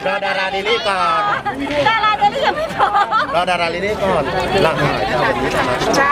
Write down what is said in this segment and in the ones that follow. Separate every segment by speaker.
Speaker 1: รอดาราลิลี่ก่อน
Speaker 2: ดาราเดลี่ยังไม่พร้อม
Speaker 1: รอดาราลิลี่ก่อนหลังหายจะเป็นนี้ใช่ไหม
Speaker 3: จ้า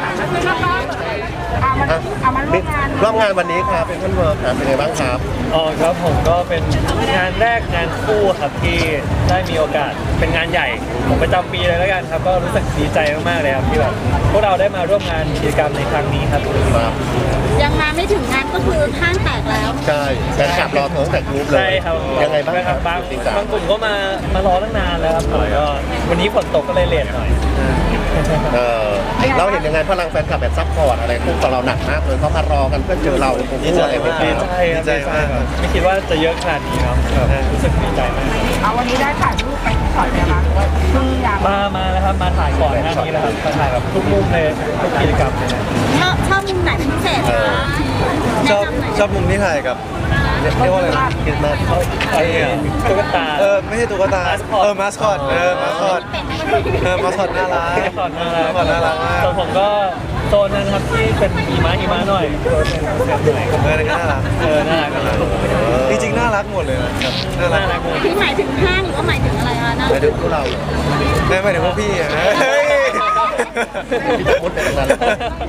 Speaker 3: เอามาร่วมงาน
Speaker 1: วันนี้ครับเป็นท่านเวิร์คครับเป็นไงบ้างครับ
Speaker 4: อ๋อครับผมก็เป็นงานแรกงานคู่ครับที่ได้มีโอกาสเป็นงานใหญ่ของประจำปีเลยแล้วกันครับก็รู้สึกดีใจมากๆเลยครับที่แบบพวกเราได้มาร่วมงานกิจกรรมในครั้งนี้ครับ
Speaker 1: ครับ
Speaker 2: ยังมาไม่ถึงงานก็คือห้างแตกแล้ว
Speaker 1: ใช่แฟนคลับรอเธอตั้งแต่กรุ๊ปเลย
Speaker 4: ใช่ครับ
Speaker 1: ยังไงบ้างครับ
Speaker 4: บาง
Speaker 1: จริงจัง
Speaker 4: บางกลุ่มก็มารอตั้งนานแล้วครับแต่ก็วันนี้ฝนตกก็เลยเลทหน่อย
Speaker 1: เราเห็นยังไงพลังแฟนคลับแบบซัพพอร์ตอะไรพวกเราหนักมากเลยเขามารอกันเพื่อเจอเราตรงนี้อะไรไม่
Speaker 4: ดี
Speaker 1: ได้
Speaker 4: ใจครับดีใจมากครับไม่คิดว่าจะเยอะขนาดนี้ครับรู้สึกดีใจมาก
Speaker 3: เอาวันนี้ได้ถ่ายรูปไปก่อนไหมคะคืออยาก
Speaker 4: มาแล้วครับมาถ่ายก่อนหน้านี้แล้วครับมาถ่ายแบบทุกมุมเลยทุกกิจกรรมเลยนะ
Speaker 2: ชอบมุมไหนเป็นพิเศษคะ
Speaker 5: ชอบมุมที่ถ่ายกับเรียกว่าอะไรนะ
Speaker 1: คิดมาก
Speaker 4: ไอ้ตุ๊กตา
Speaker 5: ไม่ใช่ตุ๊กตา
Speaker 4: Mascot
Speaker 5: มาสคอตมาสคอตมาสคอตน่ารัก
Speaker 4: ก่อนน่ารัก
Speaker 5: ก่อนน่ารักมาก
Speaker 4: ส่วนผมก็โซนนั้นครับที่เป็นหิมะหน่อยโซนเป็นเซฟหน่อย
Speaker 5: นั่นก็น่ารัก
Speaker 4: น่ารักกัน
Speaker 5: จริงๆน่ารักหมดเลยนะครับน่ารั
Speaker 4: น่าก รักเลย
Speaker 2: ที่หมายถึงห้างหรือว่าหมายถึงอะไรคะนะ
Speaker 1: ไปดูพวกเรา
Speaker 5: ไม่ถึงพวกพี่อะนะ
Speaker 1: ที่จะมุดไปตรงนั้น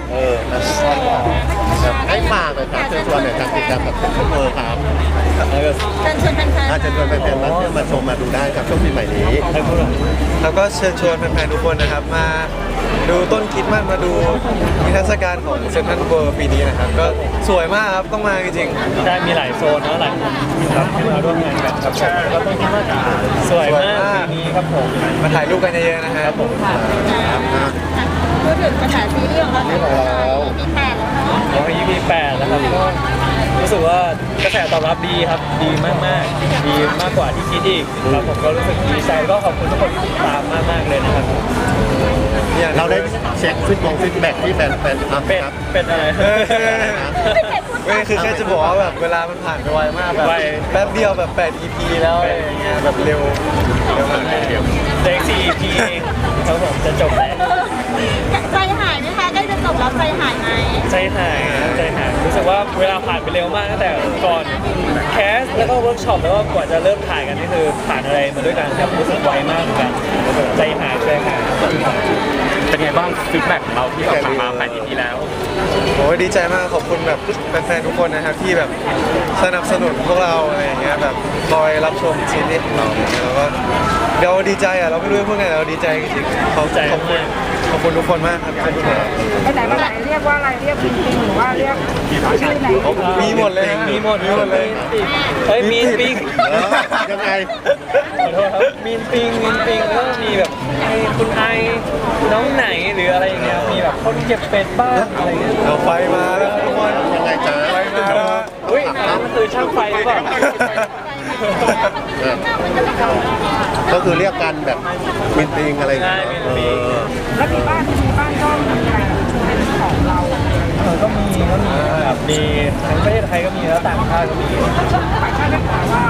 Speaker 1: ให้ฝากเลยครับเชิญชวนหน่อยครับกิจกรรมกับท่านเวิร์คครับ
Speaker 2: เชิญชวนแฟนๆ
Speaker 1: อาจจะชวนแฟนๆมาชมมาดูได้ครับช่วงปีใหม่นี้
Speaker 5: แล้วก็เชิญชวนแฟนๆทุกคนนะครับมาดูต้นคริสต์มาสมาดูนิทรรศการของเซ็นทรัลเวิลด์ปีนี้นะครับก็สวยมากครับต้องมาจริงๆ
Speaker 4: ได้มีหลายโซนนะหลายมุมครับที่มาร่วมงานกันครับก็ต้องคิดว่าสวยมากปีนี้ครับผม
Speaker 5: มาถ่ายรูปกันเยอะๆนะครับผม
Speaker 2: พูดถึงกระแสซีรีส์ของเรามี8แล้วเนาะ
Speaker 4: แล้วก็EP 8แล้วครับก็รู้สึกว่ากระแสตอบรับดีครับดีมากๆดีมากกว่าที่คิดอีกครับผมก็รู้สึกดีใจก็ขอบคุณทุกคนที่ติดตามมากๆเลยนะครับ
Speaker 1: เราได้เช็คฟีดแบ็กที่แฟนๆครับ
Speaker 4: เป็นอะไร
Speaker 5: ไม่คือแค่จะบอกว่าแบบเวลามันผ่านไปไวมากแบบ
Speaker 4: ไว
Speaker 5: แป๊บเดียวแบบ8 EP แล้วอะไรอย่างเงี้ยแบบเร็วมาก
Speaker 4: เด็ก 4EP เองครับผมจะจบแล้ว
Speaker 2: ใจหายไหมคะใกล้จะจบแล้วใจหายไหม
Speaker 4: ใจหายนะใจหายรู้สึกว่าเวลาผ่านไปเร็วมากตั้งแต่ก่อนแคสแล้วก็เวิร์กช็อปแล้วก็กว่าจะเริ่มถ่ายกันนี่คือผ่านอะไรมาด้วยกันครับรู้สึกไวมากเหมือนกันใจหาย
Speaker 6: เป็นไงบ้างฟีดแบ็กของเราที่แบบผ่านมา8 EP แล้ว
Speaker 5: โอ้ยดีใจมากขอบคุณแบบแฟนๆทุกคนนะครับที่แบบสนับสนุนพวกเราอะไรอย่างเงี้ยแบบคอยรับชมซีรีส์ของเราแล้วก็เราดีใจอ่ะเราไม่รู้จะพูดไงเราดีใจจริงๆขอบคุณทุกคนมากครับขอบคุณครับ
Speaker 3: ไปไหนมาไหนเรียกว่าอะไรเรียกจริงๆหรือว่าเรียกชื่อไหน
Speaker 5: มีหมดเลย
Speaker 4: มีหมดเลยเฮ้ยมีนปิง
Speaker 1: ยังไง
Speaker 4: ขอโทษครับมีนปิงแล้วก็มีแบบไอ้คุณไอน้องไหนหรืออะไรอย่างเงี้ยมีแบบคนเก็บเป็ดบ้างอะไรเงี้ย
Speaker 5: เราไฟมาแล้วทุกคน
Speaker 1: ยังไงจ๊ะ
Speaker 5: ไฟมาแล้ว
Speaker 4: อุ้ยอันนั้นมันคือช่างไฟหรือเปล่า
Speaker 1: ก็คือเรียกกันแบบมินติงอะไรอย่างเงี้ย
Speaker 3: แล้วมีบ้านก็มีอะไรเป็นของเรา
Speaker 4: ก็มีครับมีทั้งประเทศไทยก็มีแล้วต่างชาติก็มี
Speaker 3: ต่างชาติได้ข่าวว่า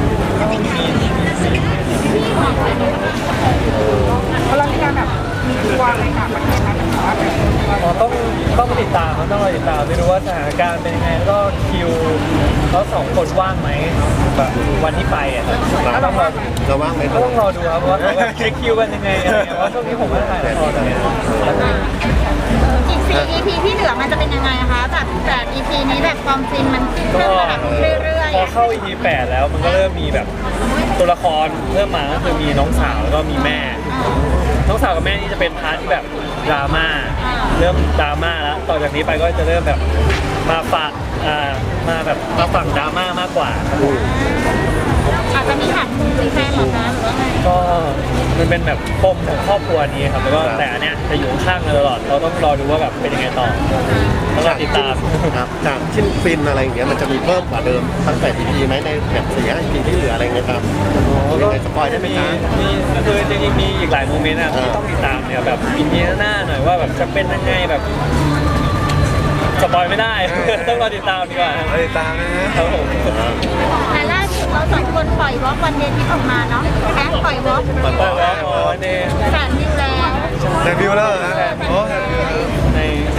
Speaker 3: เรามีการแบบมีทัวร์อะไรต่างประเทศนะแต่ว่าแบบ
Speaker 4: ต้องติดตามครับต้องรอติดตามไม่รู้ว่าสถานการณ์เป็นยังไงแล้วก็คิวเขาสองคนว่างไหมแบบวันที่ไปอ่ะแล้วต้องรอ
Speaker 1: เราว่างไหม
Speaker 4: ก็ต้องรอดูครับว่าเขาแบบเช็คคิวกันยังไงอะไรเงี้ยเพราะช่วงนี้ผมก็ถ่ายละครเนี่ย
Speaker 2: อีก4 EP ที่เหลือมันจะเป็นยังไงคะแบบ8 EP นี้แบบความฟินมันขึ้น
Speaker 4: ก็
Speaker 2: มาแบบเรื่อย
Speaker 4: พอเข้า EP 8แล้วมันก็เริ่มมีแบบตัวละครเริ่มมาก็คือมีน้องสาวแล้วก็มีแม่ น้องสาวกับแม่นี่จะเป็นพาร์ทที่แบบดราม่าเริ่มดราม่าแล้วต่อจากนี้ไปก็จะเริ่มแบบมาฝั่งมาแบบมาฝั่งดราม่ามากกว่าครับ
Speaker 2: ๆอาจจะมีหันมุมหรือแฟนหรอคะหรือว่าไง
Speaker 4: ก็มันเป็นแบบปมของครอบครัวนี้ครับแล้วก็แต่อันเนี้ยจะอยู่ข้างกันตลอดเราต้องรอดูว่าแบบเป็นยังไงต่อต้องรอติดตาม
Speaker 1: ครับจากชิ้นฟินอะไรอย่างเงี้ยมันจะมีเพิ่มกว่าเดิมตั้งแต่ EP ไหมในแบบ4 EP ที่เหลืออะไรเงี้ยครับยังไงสปอยได้ไหมจ๊ะ
Speaker 4: มีคือจริงๆมีอีกหลายโมเมนต์นะที่ต้องติดตามเนี่ยแบบอีพีหน้าหน่อยว่าแบบจะเป็นยังไงแบบสปอยไม่ได้ ต้องรอติดตามดีกว่า
Speaker 5: เราติดตามนะฮะ
Speaker 4: ครับผม
Speaker 2: แต่ล่าสุดเราสองคนปล่อยวอล์กวันเดย์ที่ออกมาเนาะแค่ปล่อยวอล์ก
Speaker 4: มันบอกว่าอ๋อใน
Speaker 2: แสนวิวแล้ว
Speaker 5: แซนวิวแล้วเหรอฮะโอ้แซนวิวแล้ว
Speaker 4: ใน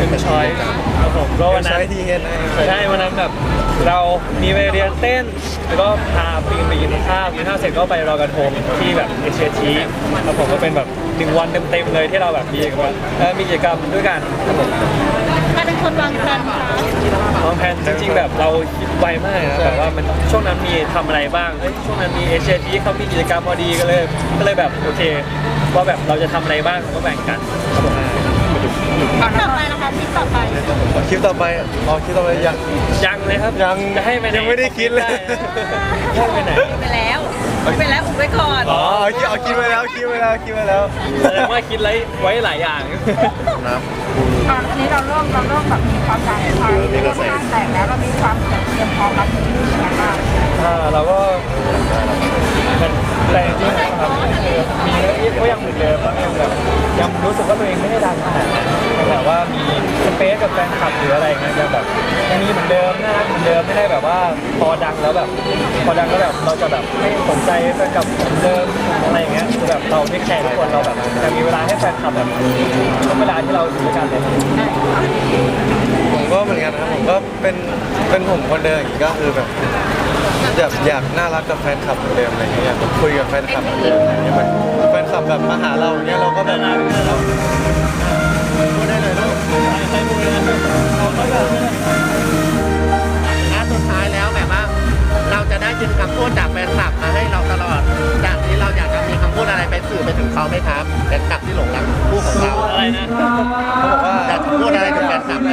Speaker 4: ถึงช้อยครับผมก็วันนั้
Speaker 5: ใช้
Speaker 4: น
Speaker 5: ทีเห็นนะ
Speaker 4: ใช่วันนั้นแบบเรามีไปเรียนเต้นแล้วก็พาปีนไปกินข้าวเสร็จก็ไปรอยกระทงที่แบบเอเชียทีแล้วผมก็เป็นแบบ1 วันเต็มๆเลยที่เราแบบมีกิจกรรมด้วยกันครับผม
Speaker 2: ใครเป็นคนวางแผนคะ
Speaker 4: วางแผนจริงๆแบบเราคิดไวมากนะแบบว่ามันช่วงนั้นมีทำอะไรบ้างเฮ้ยช่วงนั้นมีเอเชียทีเขามีกิจกรรมพอดีก็เลยแบบโอเคว่าแบบเราจะทำอะไรบ้างก็แบ่งกันครับผม
Speaker 2: ต่อไปนะคะทริปต่อไป
Speaker 5: คลิปต่อไปคลิปต่อไป
Speaker 4: ยังเลยครับ
Speaker 5: ยัง
Speaker 4: จะให้ไปไหน
Speaker 5: ยังไม่ได้คิดเลย
Speaker 4: ให้ไปไหน
Speaker 2: ไปแล้วอุบไว้ก่อน
Speaker 5: เอาคิดไว้แล้วคิดไว้แล้ว
Speaker 4: แสดงว่าคิดไว้หลายอย่าง
Speaker 1: นะ
Speaker 3: ตอนนี้เราเริ่มแบบมีความดังไฟเริ่มห้างแตกแล้วเรามีความเตรียมพร้อมรับมือยังไงบ้าง
Speaker 4: เราก็เป็นแต่จริงๆนะครับมีเรื่องก็ยังเหมือนเดิมยังรู้สึกว่าตัวเองไม่ได้ดังขนาดนั้นแต่ว่ามีสเปซกับแฟนคลับหรืออะไรเงี้ยยังมีเหมือนเดิมน่ารักเหมือนเดิมไม่ได้แบบว่าพอดังแล้วแบบเราจะแบบไม่สนใจแฟนคลับเหมือนเดิมอะไรเงี้ยคือแบบเราไม่แคร์ทุกคนเราแบบจะมีเวลาให้แฟนคลับแบบทุกเวลาที่เราอยู่ด้วยกันเลย
Speaker 5: ผมก็เหมือนกันนะครับผมก็เป็นผมคนเดิมอย่างนี้ก็คือแบบอยากน่ารักกับแฟนคลับเหมือนเดิมอะไรเงี้ยอยากแบบคุยกับแฟนคลับเหมือนเดิมอะไรเงี้ยมันแฟนคลับแบบมาหาเราอย่างเงี้ยเราก็แบบ
Speaker 1: พูดได้เลยลูกสุดท้ายแล้วแบบว่า เราจะได้ยินคำพูดจากแฟนคลับมาให้เราตลอดจากนี้เราอยากจะมีคำพูดอะไรไปสื่อไปถึงเขาไหมครับแฟนคลับที่หลงรักคู่ของเรา
Speaker 4: อะไรนะ
Speaker 5: เขาบอกว่า
Speaker 1: อยากจะพูดอะไรถึงแฟนคลับไหม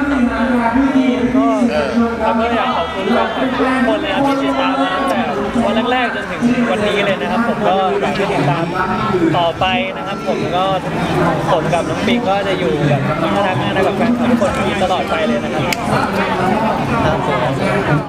Speaker 4: เราก็อยากขอบคุณแฟนคลับทุกคนเลยครับที่ติดตามมาตั้งแต่วันแรกๆจนถึงวันนี้เลยนะครับ ผมก็อยากให้ติดตามต่อไปนะครับ ผมก็ผมกับน้องปิงก็จะอยู่แบบน่ารักกับแฟนคลับทุกคนที่ตลอดไปเลยนะครับ